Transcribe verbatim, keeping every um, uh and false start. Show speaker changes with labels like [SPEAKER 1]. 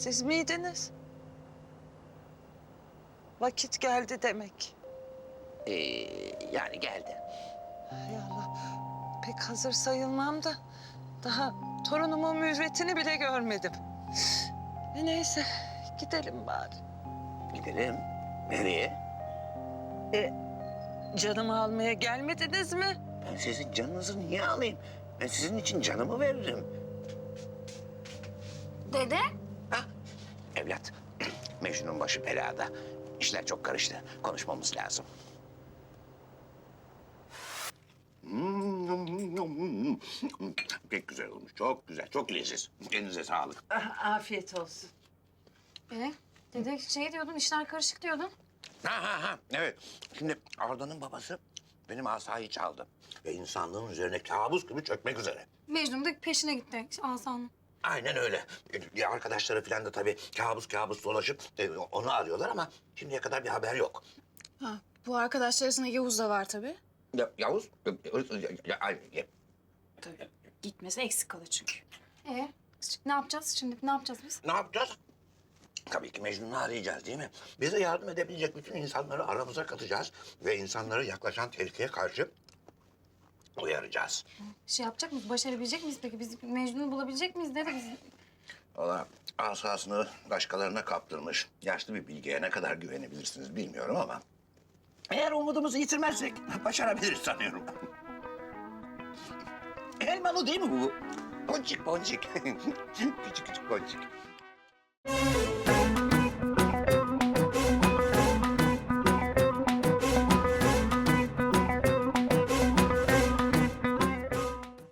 [SPEAKER 1] Siz miydiniz? Vakit geldi demek.
[SPEAKER 2] Ee, yani geldi.
[SPEAKER 1] Hay Allah, pek hazır sayılmam da daha torunumun mürvetini bile görmedim. E neyse, gidelim bari.
[SPEAKER 2] Gidelim. Nereye?
[SPEAKER 1] E, canımı almaya gelmediniz mi?
[SPEAKER 2] Ben sizin canınızı niye alayım? Ben sizin için canımı veririm.
[SPEAKER 3] Dede?
[SPEAKER 2] Ha? Evlat, Mecnun'un başı belada. İşler çok karıştı. Konuşmamız lazım. Hmm, Pek güzel olmuş. Çok güzel. Çok leziz. Elinize sağlık.
[SPEAKER 1] Ah, afiyet olsun.
[SPEAKER 3] E, dede şey diyordun, işler karışık diyordun.
[SPEAKER 2] Ha ha ha. Evet. Şimdi Arda'nın babası benim asayı çaldı. Ve insanlığın üzerine kabus gibi çökmek üzere.
[SPEAKER 3] Mecnun da peşine gitti Asan'ın.
[SPEAKER 2] Aynen öyle. Ya arkadaşları falan da tabii kabus kabus dolaşıp e, onu arıyorlar ama şimdiye kadar bir haber yok.
[SPEAKER 4] Ha, bu arkadaşlar arasında Yavuz da var tabii.
[SPEAKER 2] Ya, Yavuz, ya, ya, ya, ya,
[SPEAKER 4] Tabii. Gitmesi eksik kalır çünkü.
[SPEAKER 3] E, ne yapacağız şimdi? Ne yapacağız biz?
[SPEAKER 2] ne yapacağız? Tabii ki Mecnun'u arayacağız değil mi? Bize yardım edebilecek bütün insanları aramıza katacağız ve insanları yaklaşan tehlikeye karşı uyaracağız.
[SPEAKER 3] Şey yapacak mıyız? Başarabilecek miyiz peki? Biz Mecnun'u bulabilecek miyiz dede biz?
[SPEAKER 2] Valla asasını başkalarına kaptırmış yaşlı bir bilgiye ne kadar güvenebilirsiniz bilmiyorum ama... eğer umudumuzu yitirmezsek başarabiliriz sanıyorum. Elmalı değil mi bu? Boncuk boncuk. Küçük küçük boncuk.